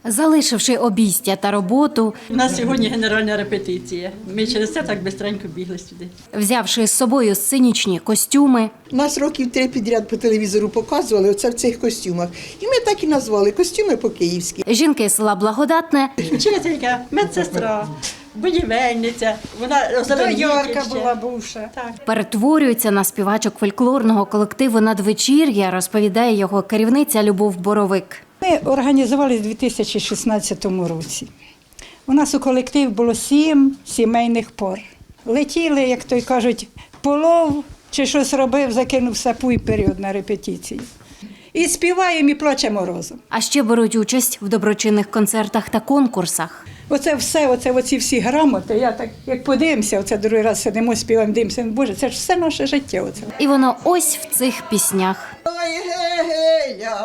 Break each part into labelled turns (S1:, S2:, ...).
S1: Залишивши обійстя та роботу,
S2: У нас сьогодні генеральна репетиція. Ми через це так швидко бігли сюди.
S1: взявши з собою сценічні костюми,
S3: Нас років 3 підряд по телевізору показували оце в цих костюмах. І ми так і назвали «Костюми по-київськи».
S1: жінки з села Благодатне
S2: Вчителька, медсестра, будівельниця, вона
S4: Доярка була бувша.
S2: Так.
S1: перетворюються на співачок фольклорного колективу «Надвечір'я», розповідає його керівниця Любов Боровик.
S4: Ми організували в 2016 році. У нас у колективі було 7 сімейних пар. Летіли, як то й кажуть, полов чи щось робив, закинув сапу і період на репетиції. І співаємо, і плачемо разом.
S1: А ще беруть участь в доброчинних концертах та конкурсах.
S4: Оце все, оці всі грамоти, я так, як подивимося, оце другий раз сидимо, співаємо, дивимося, Боже, це ж все наше життя. Оце.
S1: І воно ось в цих піснях.
S3: Ой, геля,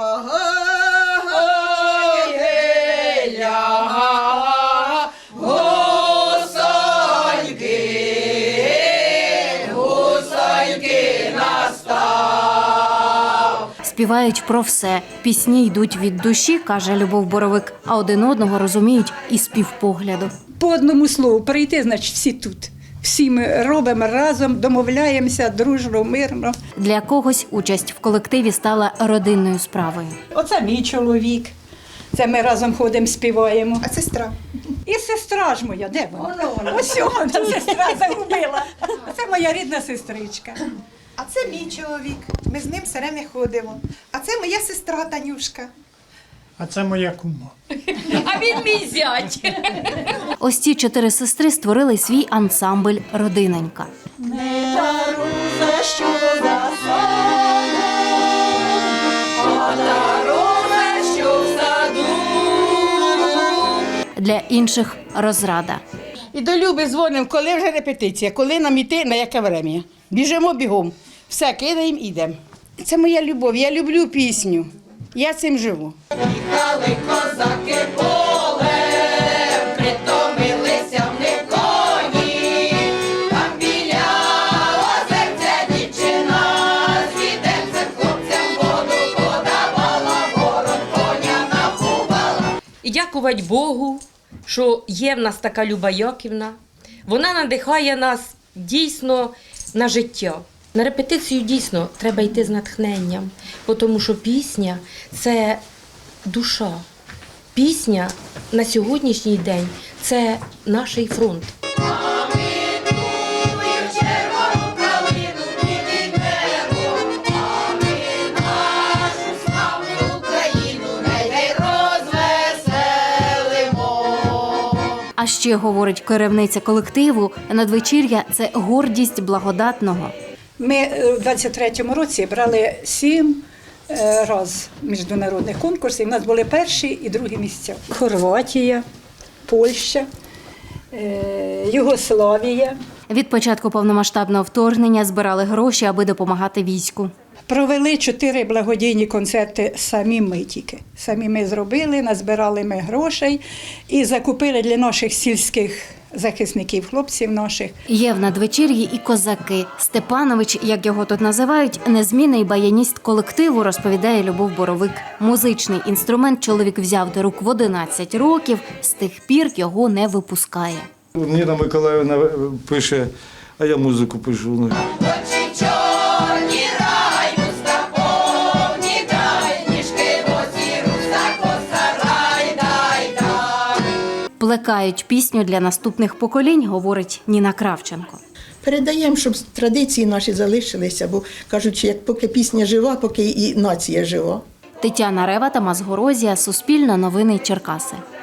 S3: ой, геля, гусоньки настав.
S1: Співають про все. Пісні йдуть від душі, каже Любов Боровик, а один одного розуміють і з півпогляду.
S4: По одному слову, прийти, значить, всі тут. Всі ми робимо разом, домовляємося дружно, мирно.
S1: Для когось участь в колективі стала родинною справою.
S4: Оце мій чоловік. Це ми разом ходимо, співаємо.
S3: А сестра?
S4: І сестра ж моя, де вона? Ось вона, сестра загубила. Це моя рідна сестричка.
S5: А це мій чоловік. Ми з ним все время ходимо. А це моя сестра Танюшка.
S6: А це моя кума.
S1: Ось ці 4 сестри створили свій ансамбль «Родиненька». Для інших – розрада.
S7: І до Люби дзвонимо, коли вже репетиція, коли нам іти, на яке врем'я. Біжимо бігом. Все, кидаємо, йдемо. Це моя любов, я люблю пісню. Я цим живу.
S8: Їхали козаки полем, притомилися в них коні, там біля озерця дівчина, з відерцем хлопцям воду подавала, ворот коня напувала.
S9: І дякувати Богу, що є в нас така Люба Яківна. Вона надихає нас дійсно на життя. На репетицію дійсно треба йти з натхненням, тому що пісня – це душа. Пісня на сьогоднішній день – це наш фронт.
S1: А ще, говорить керівниця колективу, «Надвечір'я» – це гордість Благодатного.
S4: Ми у 23-му році брали 7 разів міжнародних конкурсів. У нас були перші і другі місця. Хорватія, Польща, Югославія.
S1: Від початку повномасштабного вторгнення збирали гроші, аби допомагати війську.
S4: Провели 4 благодійні концерти самі ми тільки. Самі ми зробили, назбирали ми грошей і закупили для наших сільських захисників, хлопців наших.
S1: Є в «Надвечір'ї» і козаки. Степанович, як його тут називають, незмінний баяніст колективу, розповідає Любов Боровик. Музичний інструмент чоловік взяв до рук в 11 років, з тих пір його не випускає.
S10: Ніна Миколаївна пише, а я музику пишу.
S8: Очі чорні раю повні, дай ніжки босі, руса коса, дай.
S1: Плекають пісню для наступних поколінь, говорить Ніна Кравченко.
S3: Передаємо, щоб традиції наші залишилися, бо кажуть, що як поки пісня жива, поки і нація жива.
S1: Тетяна Рева, Тамас Горозія, Суспільне новини Черкаси.